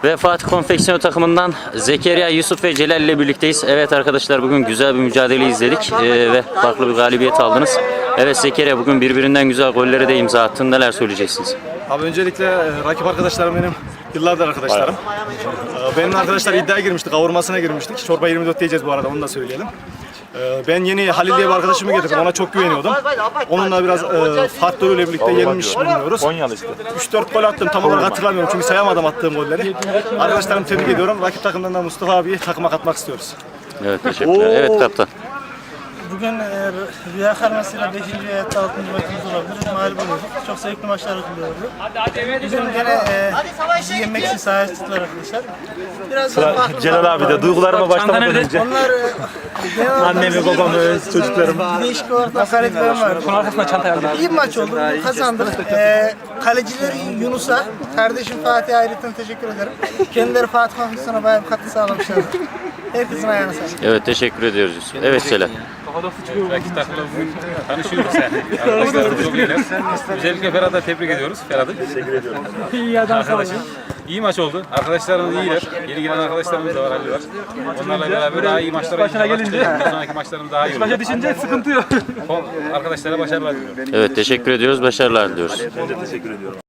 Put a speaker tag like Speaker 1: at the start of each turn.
Speaker 1: Ve Fatih Konfeksiyon takımından Zekeriya, Yusuf ve Celal ile birlikteyiz. Evet arkadaşlar, bugün güzel bir mücadele izledik ve farklı bir galibiyet aldınız. Evet Zekeriya, bugün birbirinden güzel golleri de imza attın. Neler söyleyeceksiniz?
Speaker 2: Abi öncelikle rakip arkadaşlarım benim yıllardır arkadaşlarım. Benim arkadaşlar iddiaya girmiştik, kavurmasına girmiştik. Çorba 24 diyeceğiz bu arada, onu da söyleyelim. Ben yeni Halil diye bir arkadaşımı getirdim, ona çok güveniyordum. Onunla biraz faktörüyle birlikte yenilmiş bulunuyoruz. 3-4 gol attım, tam olarak hatırlamıyorum çünkü sayamadım attığım golleri. Arkadaşlarımı tebrik ediyorum. Rakip takımdan da Mustafa abiyi takıma katmak istiyoruz.
Speaker 1: Evet, teşekkürler. Evet kaptan.
Speaker 3: Bugün Rüya Karması'yla 5. veya 6. maçımız olabilir. Mağlup olduk. Çok zevkli maçlar oluyordu. Bugün gene bizi yenmek için sahaya çıktılar arkadaşlar. Biraz
Speaker 4: Celal abi de duygularıma başlamadan önce.
Speaker 3: onlar
Speaker 4: Annemi, babamı, çocuklarımı.
Speaker 3: değişik olarak hakaretlerim vardı. İyi bir maç oldu. Kazandık. Kalecileri Yunus'a, kardeşim Fatih'e ayrıca teşekkür ederim. Kendileri Fatih Konfeksiyon'a bayağı bir katkı sağlamışlar. Herkesin ayağına sağlık.
Speaker 1: Evet, teşekkür ediyoruz Yusuf. Evet Celal.
Speaker 5: Rakip takımla bugün tanışıyoruz yani. Arkadaşlar çok iyiler. Özellikle Ferhat'a tebrik ediyoruz. Ferhat'ı. Teşekkür ediyorum. İyi adam sağ olun. İyi maç oldu. Arkadaşlarımız iyiler. Yeni gelen arkadaşlarımız da var, Ali var. Onlarla beraber daha iyi maçlara gideceğiz. Bundan sonraki maçlarımız daha iyi olur. Başa düşünce sıkıntı yok. Arkadaşlara başarılar diliyorum.
Speaker 1: Evet, teşekkür ediyoruz. Başarılar diliyoruz.
Speaker 4: Ben de teşekkür ediyorum.